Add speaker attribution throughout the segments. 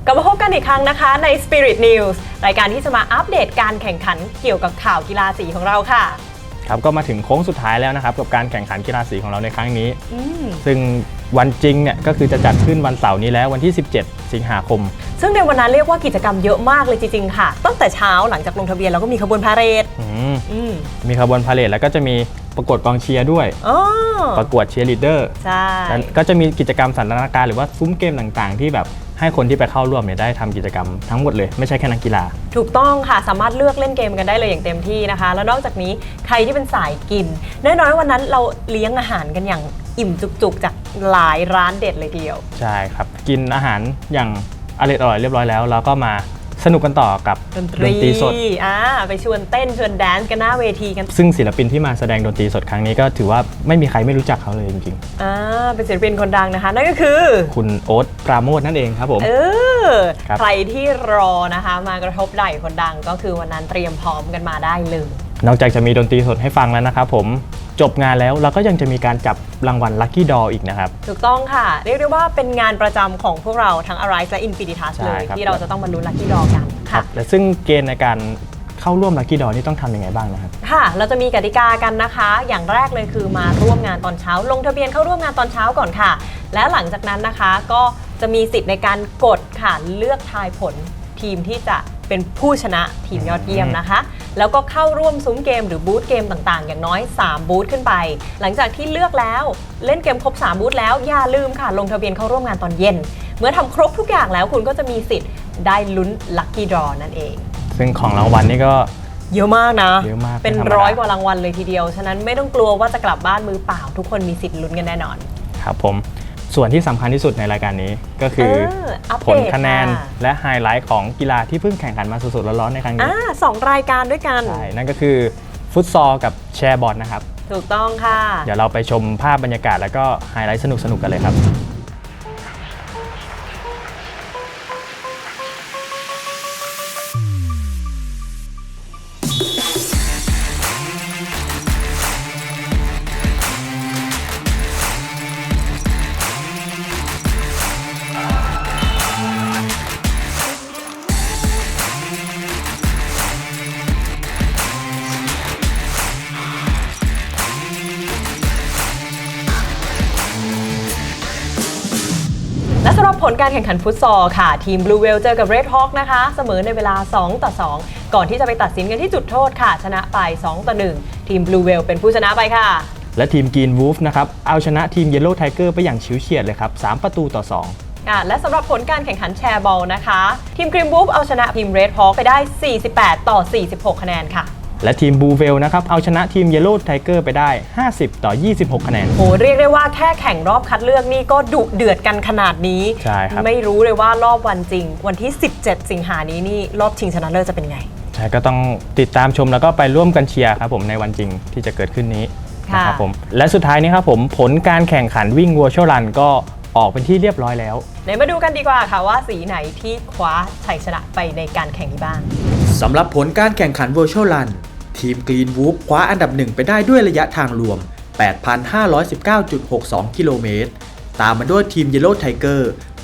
Speaker 1: กลับมาพบกันอีกครั้งนะคะใน Spirit News รายการที่จะมาอัปเดตการแข่งขันเกี่ยวกับข่าวกีฬาสีของเราค่ะ
Speaker 2: ครับก็มาถึงโค้งสุดท้ายแล้วนะครับกับการแข่งขันกีฬาสีของเราในครั้งนี้ซึ่งวันจริงเนี่ยก็คือจะจัดขึ้นวันเสาร์นี้แล้ววันที่ 17 สิงหาคม
Speaker 1: ซึ่งในวันนั้นเรียกว่ากิจกรรมเยอะมากเลยจริงๆค่ะตั้งแต่เช้าหลังจากลงทะเบียนเราก็มีขบวนพาเหรด
Speaker 2: มีขบวนพาเหรดแล้วก็จะมีประกวดกองเชียร์ด้วยประกวดเชียร์ลีดเดอร์
Speaker 1: ใช่
Speaker 2: ก็จะมีกิจกรรมสันทนาการหรือว่าซุ้มเกมต่างๆที่แบบให้คนที่ไปเข้าร่วมเนี่ยได้ทำกิจกรรมทั้งหมดเลยไม่ใช่แค่นักกีฬา
Speaker 1: ถูกต้องค่ะสามารถเลือกเล่นเกมกันได้เลยอย่างเต็มที่นะคะแล้วนอกจากนี้ใครที่เป็นสายกินแน่นอนวันนั้นเราเลี้ยงอาหารกันอย่างอิ่มจุกๆจากหลายร้านเด็ดเลยทีเดียว
Speaker 2: ใช่ครับกินอาหารอย่างอร่อยเรียบร้อยแล้วเราก็มาสนุกกันต่อกับดนตรีสด
Speaker 1: ไปชวนเต้นชวนแดนซ์กันหน้าเวทีกัน
Speaker 2: ซึ่งศิลปินที่มาแสดงดนตรีสดครั้งนี้ก็ถือว่าไม่มีใครไม่รู้จักเขาเลยจริง
Speaker 1: ๆเป็นศิลปินคนดังนะคะนั่นก็คือ
Speaker 2: คุณโอ๊ตปราโมชนั่นเองครับผม
Speaker 1: ใครที่รอนะคะมากระทบไหล่คนดังก็คือวันนั้นเตรียมพร้อมกันมาได้เลย
Speaker 2: นอกจากจะมีดนตรีสดให้ฟังแล้วนะครับผมจบงานแล้วเราก็ยังจะมีการจับรางวัล Lucky Draw อีกนะครับ
Speaker 1: ถูกต้องค่ะเรียกได้ว่าเป็นงานประจำของพวกเราทั้ง Arise และ Infinitas เลยที่เราจะต้องมาลุ้น Lucky Draw กันค่ะ
Speaker 2: และซึ่งเกณฑ์ในการเข้าร่วม Lucky Draw นี่ต้องทำยังไงบ้างนะครับ
Speaker 1: ค่ะเราจะมีกติกากันนะคะอย่างแรกเลยคือมาร่วมงานตอนเช้าลงทะเบียนเข้าร่วมงานตอนเช้าก่อนค่ะและหลังจากนั้นนะคะก็จะมีสิทธิ์ในการกดค่ะเลือกทายผลทีมที่จะเป็นผู้ชนะทีมยอดเยี่ยมนะคะแล้วก็เข้าร่วมซุ้มเกมหรือบูธเกมต่างๆอย่างน้อย3บูธขึ้นไปหลังจากที่เลือกแล้วเล่นเกมครบ3บูธแล้วอย่าลืมค่ะลงทะเบียนเข้าร่วมงานตอนเย็นเมื่อทำครบทุกอย่างแล้วคุณก็จะมีสิทธิ์ได้ลุ้น Lucky Draw นั่นเอง
Speaker 2: ซึ่งของรางวัลนี่ก็
Speaker 1: เยอะมากนะ
Speaker 2: เยอะมาก
Speaker 1: เป็น100 กว่ารางวัลเลยทีเดียวฉะนั้นไม่ต้องกลัวว่าจะกลับบ้านมือเปล่าทุกคนมีสิทธิ์ลุ้นกันแน่นอน
Speaker 2: ครับผมส่วนที่สำคัญที่สุดในรายการนี้ก็คือผลคะแนนและไฮไลท์ของกีฬาที่เพิ่งแข่งขันมาสดๆร้อนๆในครั้งนี้
Speaker 1: 2 รายการด้วยกัน
Speaker 2: ใช่นั่นก็คือฟุตซอลกับแชร์บอลนะครับ
Speaker 1: ถูกต้องค่ะ
Speaker 2: เดี๋ยวเราไปชมภาพบรรยากาศแล้วก็ไฮไลท์สนุกๆกันเลยครับ
Speaker 1: และสำหรับผลการแข่งขันฟุตซอลค่ะทีม Blue Whale เจอกับ Red Hawk นะคะเสมอในเวลา2-2ก่อนที่จะไปตัดสินกันที่จุดโทษค่ะชนะไป2-1ทีม Blue Whale เป็นผู้ชนะไปค่ะ
Speaker 2: และทีม Green Wolf นะครับเอาชนะทีม Yellow Tiger ไปอย่างฉิวเฉียดเลยครับ3-2
Speaker 1: และสำหรับผลการแข่งขันแชร์บอลนะคะทีม Green Wolf เอาชนะทีม Red Hawk ไปได้48-46คะแนนค่ะ
Speaker 2: และทีมบูเวลนะครับเอาชนะทีม Yellow Tiger ไปได้50-26คะแนน
Speaker 1: เรียกได้ว่าแค่แข่งรอบคัดเลือกนี่ก็ดุเดือดกันขนาดนี้
Speaker 2: ใช่ครับ
Speaker 1: ไม่รู้เลยว่ารอบวันจริงวันที่17สิงหานี้นี่รอบชิงชนะเลิศจะเป็นไง
Speaker 2: ใช่ก็ต้องติดตามชมแล้วก็ไปร่วมกันเชียร์ครับผมในวันจริงที่จะเกิดขึ้นนี้นะครับผมและสุดท้ายนี้ครับผมผลการแข่งขันวิ่ง Virtual Run ก็ออกเป็นที่เรียบร้อยแล้ว
Speaker 1: เดี๋ยวมาดูกันดีกว่าค่ะว่าสีไหนที่คว้าชัยชนะไปในการแข่งนี้บ้าง
Speaker 3: สำหรับผลการแข่งขัน Virtual Runทีม Green Wolf คว้าอันดับ1ไปได้ด้วยระยะทางรวม 8,519.62 กิโลเมตรตามมาด้วยทีม Yellow Tiger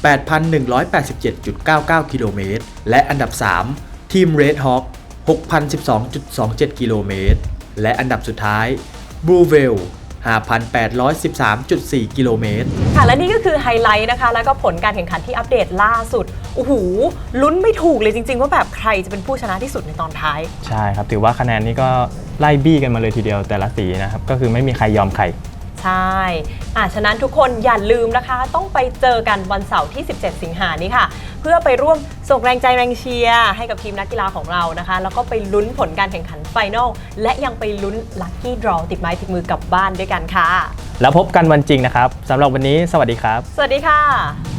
Speaker 3: 8,187.99 กิโลเมตรและอันดับ3ทีม Red Hawk 6,012.27 กิโลเมตรและอันดับสุดท้าย Blue Whale 5,813.4 กิโลเมตร
Speaker 1: ค่ะและนี่ก็คือไฮไลท์นะคะแล้วก็ผลการแข่งขันที่อัปเดตล่าสุดโอ้โหลุ้นไม่ถูกเลยจริงๆว่าแบบใครจะเป็นผู้ชนะที่สุดในตอนท้าย
Speaker 2: ใช่ครับถือว่าคะแนนนี้ก็ไล่บี้กันมาเลยทีเดียวแต่ละสีนะครับก็คือไม่มีใครยอมใคร
Speaker 1: ใช่ฉะนั้นทุกคนอย่าลืมนะคะต้องไปเจอกันวันเสาร์ที่17สิงหานี้ค่ะเพื่อไปร่วมส่งแรงใจแรงเชียร์ให้กับทีมนักกีฬาของเรานะคะแล้วก็ไปลุ้นผลการแข่งขันไฟนอลและยังไปลุ้น Lucky Draw ติดไม้ติดมือกลับบ้านด้วยกันค่ะ
Speaker 2: แล้วพบกันวันจริงนะครับสำหรับวันนี้สวัสดีครับ
Speaker 1: สวัสดีค่ะ